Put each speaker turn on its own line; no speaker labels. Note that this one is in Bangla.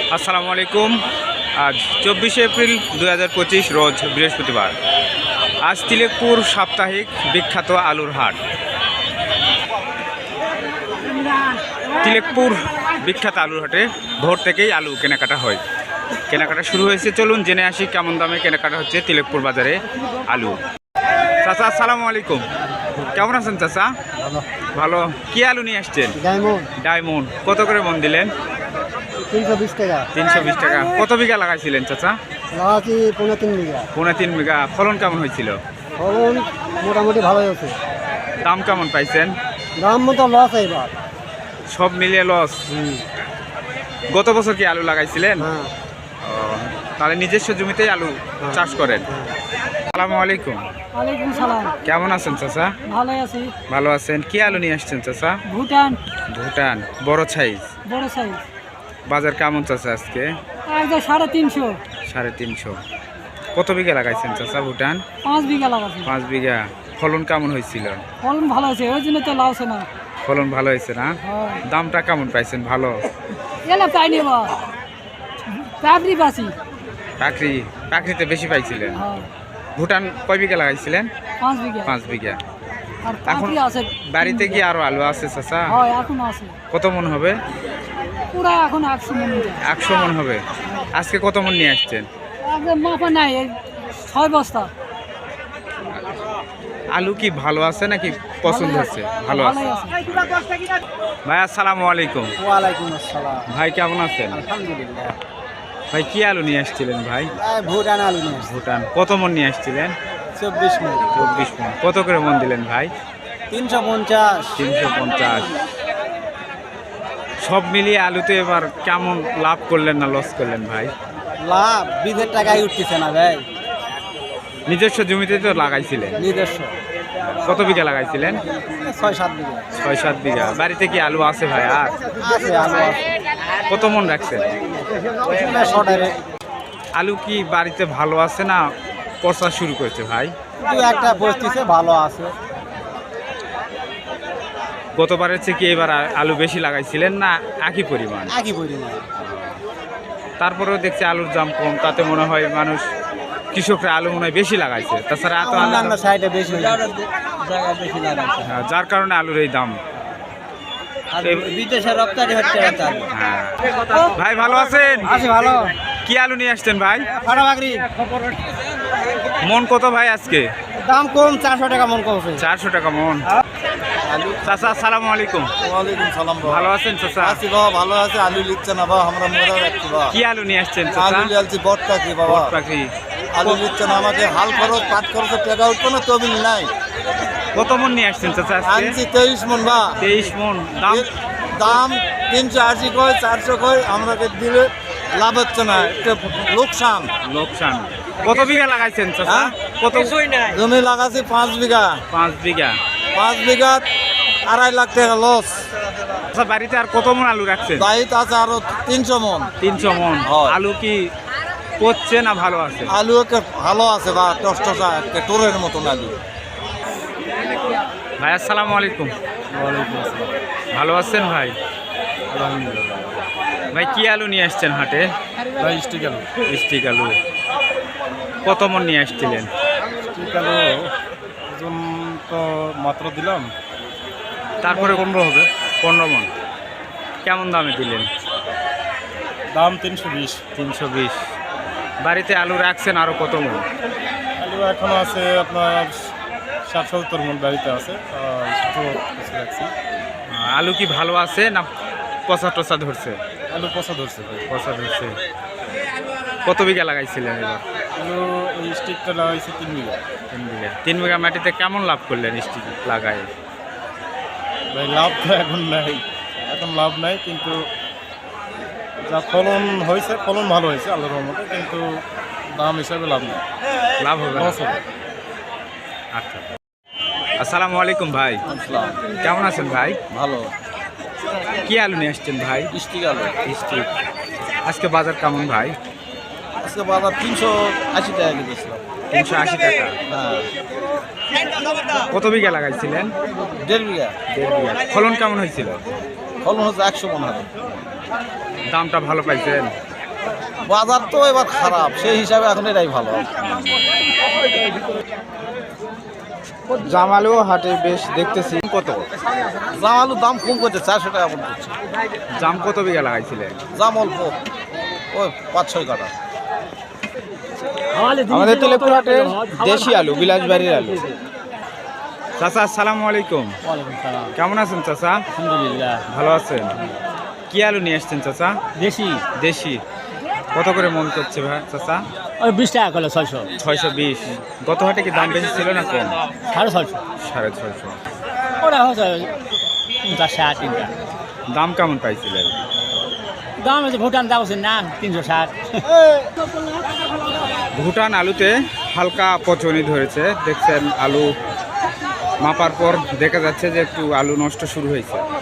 আসসালামু আলাইকুম। আজ 24শে এপ্রিল 2025 রোজ বৃহস্পতিবার। আজ তিলেকপুর সাপ্তাহিক বিখ্যাত আলুর হাট। তিলেকপুর বিখ্যাত আলুর হাটে ভোর থেকেই আলু কেনাকাটা হয়। কেনাকাটা শুরু হয়েছে, চলুন জেনে আসি কেমন দামে কেনাকাটা হচ্ছে তিলেকপুর বাজারে আলু। চাচা আসসালামু আলাইকুম, কেমন আছেন চাচা? ভালো। কি আলু নিয়ে আসছেন? ডায়মন্ড। কত করে মন দিলেন?
320 টাকা।
320 টাকা। কত বিঘা লাগাইছিলেন চাচা?
লাগাচ্ছি 3.5 বিঘা।
3.5 বিঘা। ফলন কেমন হয়েছিল?
ফলন মোটামুটি ভালোই হচ্ছে।
দাম কেমন পাইছেন?
দাম মতো লস এবার।
সব মিলিয়ে লস। গত বছর কি আলু লাগাইছিলেন?
হ্যাঁ।
তাহলে নিজস্ব জমিতেই আলু চাষ করেন। আসসালামু আলাইকুম।
ওয়ালাইকুম সালাম।
কেমন আছেন চাচা?
ভালো আছি।
ভালো আছেন। কি আলু নিয়ে আসছেন চাচা?
ভুটান।
ভুটান। বড় সাইজ।
বড় সাইজ।
বাজার কেমন চাচা আজকে?
একদম 350।
350। কত বিঘা লাগাইছেন চাচা ভুটান?
5 বিঘা লাগাচ্ছি।
5 বিঘা। ফলন কেমন হয়েছিল?
ফলন ভালো হয়েছে, ওই জন্য তো লাউছে না।
ফলন ভালো হয়েছে না? দামটা কেমন পাইছেন? ভালো।
এলে পাইনি বা পাবরি বাসি।
পাকড়িতে বেশি পাইছিলেন।
হ্যাঁ।
ভুটান কয় বিঘা লাগাইছিলেন?
5 বিঘা।
5 বিঘা।
আর
এখন
পাবরি আছে।
বাড়িতে কি আরো আলু আছে চাচা?
হ্যাঁ, এখন আছে।
কত মন হবে?
পুরা এখন 100 মন।
100 মন হবে। আজকে কত মন নিয়ে আসছেন?
একদম মাপা নাই, 6 বস্তা।
আলু কি ভালো আছে নাকি পছন্দ হচ্ছে? ভালো আছে। ভাই আসসালামু আলাইকুম।
ওয়ালাইকুম আসসালাম।
ভাই কেমন আছেন?
আলহামদুলিল্লাহ।
ভাই কি আলু নিয়ে আসছিলেন ভাই?
ভুটান আলু নিয়ে আসছি।
ভুটান। কত মন নিয়ে আসছিলেন?
24 মন।
24 মন। কত করে মন দিলেন ভাই?
350।
350। সব মিলিয়ে আলুতে এবার কেমন লাভ করলেন না লস করলেন ভাই?
লাভ বিধের টাকায় উঠতেছে না ভাই।
নিজস্ব জমিতে তো লাগাইছিলেন?
নিজস্ব।
কত বিঘা লাগাইছিলেন?
6-7 বিঘা।
6-7 বিঘা। বাড়িতে কি আলু আছে ভাই? আর
আছে আলু আছে।
কত মন রাখছেন?
শর্টারে
আলু কি বাড়িতে ভালো আছে না পচা শুরু করেছে ভাই?
দু একটা বসতিছে, ভালো আছে।
গতবারের চেয়ে কি এবার আলু বেশি লাগাইছিলেন না একই পরিমাণ?
একই পরিমাণ।
তারপরেও দেখছি আলুর দাম কম, তাতে মনে হয় মানুষ কৃষকরা আলু মনে হয় বেশি লাগাইছে। তাছাড়া এত
অন্যান্য সাইডে বেশি জায়গায় বেশি লাগাচ্ছে।
যার কারণে আলুর এই দাম।
আর বিদেশে রপ্তানি হচ্ছে না।
হ্যাঁ। ভাই ভালো আছেন?
আছে ভালো।
কি আলু নিয়ে আসছেন ভাই?
ফাটাবাগরি।
মন কত ভাই আজকে?
দাম কম, 400 টাকা মন কমছে।
400 টাকা মন। চাচা আসসালামু আলাইকুম।
ওয়ালাইকুম সালাম বাবা।
ভালো আছেন চাচা?
আছি বাবা, ভালো আছে। আলু লিখছে না বাবা, আমরা মরে রাখছি বাবা।
কি আলু নিয়ে আসছেন চাচা?
আলু লিয়ালছি বটটা কি বাবা?
পাখি।
আলু লিখছে না, আমাকে হাল খরচ পাট খরচের টাকা উঠতো না, তবিল নাই।
কত মন নিয়ে আসছেন চাচা আজকে?
আনছি 23 মন বা।
23 মন। দাম
দাম 380 কয়, 400 কয়, আমাকে দিলে লাভ হচ্ছে না, একটা লোকসান।
লোকসান। কত বিঘা লাগাইছেন চাচা?
হ্যাঁ?
কত?
জমি লাগাছি 5 বিঘা।
5 বিঘা।
5 বিঘা 2.5 লাখ টাকা লস।
আচ্ছা, বাড়িতে আর কত মন আলু রাখছেন?
দায়িত্ব আছে আরো 300 মন।
300 মন।
হয়।
আলু কি পচছে না ভালো আছে?
আলু একটা ভালো আছে বা টসটসা, একটা টোরের মতন আলু।
ভাই আসসালামু আলাইকুম। ভালো আছেন ভাই? ভাই কি আলু নিয়ে আসছেন হাটে?
স্টিক আলু।
স্টিক আলু। কত মন নিয়ে আসছিলেন?
স্টিক আলু ওজন তো মাত্র দিলাম,
তারপরে
15 হবে।
15 মন। কেমন দামে দিলেন?
দাম 320।
320। বাড়িতে আলু রাখছেন আরো কত মন?
আলু এখনো আছে আপনার 60-70 মন বাড়িতে আছে। রাখছি।
আলু কি ভালো আছে না পচা টচা ধরছে?
আলু পচা ধরছে ভাই।
পচা ধরছে। কত বিঘা লাগাইছিলেন এবার?
আলু এই স্টিকটা লাগাইছে 3 বিঘা।
3 বিঘা। 3 বিঘা মাটিতে কেমন লাভ করলেন স্টিক লাগায়?
ভাই লাভ তো এখন নাই, এখন লাভ নাই, কিন্তু যা ফলন হয়েছে, ফলন ভালো হয়েছে আল্লাহর রহমতে, কিন্তু দাম হিসাবে লাভ নেই,
লাভ হবে না?
লস হবে।
আচ্ছা। আসসালামু আলাইকুম ভাই। কেমন আছেন ভাই?
ভালো।
কি আলু নিয়ে আসছেন ভাই?
স্টিক আলু।
স্টিক। আজকে বাজার কেমন ভাই?
আজকে বাজার 380 টাকা কিনেছিলাম।
380 টাকা।
হ্যাঁ।
কত বিঘা লাগাইছিলেন?
1.5 বিঘা।
1.5 বিঘা। ফলন কেমন হয়েছিল?
ফলন হচ্ছে 100 মন হবে।
দামটা ভালো পাইছেন?
বাজার তো এবার খারাপ, সেই হিসাবে এখন এটাই ভালো।
জাম আলু হাটে বেশ দেখতেছি। কত
জাম আলুর দাম কম করছে, 400 টাকা পড়ছে।
জাম কত বিঘা লাগাইছিলেন?
জাম অল্প, ওই 5-6 কাটা।
আমাদের তিলেকপুর হাটের দেশি আলু, বিলাসবাড়ির আলু। চাচা আসসালামু আলাইকুম, কেমন আছেন চাচা?
আলহামদুলিল্লাহ
ভালো আছেন? কি আলু নিয়ে আসছেন চাচা?
দেশি
দেশি। কত করে মন করছে ভাই চাচা?
ওই 20 টাকা করলো 600
620। গত হাটে কি দাম বেশি ছিল না কম?
650
650।
ওরা হচ্ছে 50-60 তিনটা।
দাম কেমন পাইছিলেন?
দাম হচ্ছে ভুটান দাম হচ্ছে না 360।
ভুটান আলুতে হালকা পচনি ধরেছে, দেখছেন আলু মাপার পর দেখা যাচ্ছে যে একটু আলু নষ্ট শুরু হয়েছে।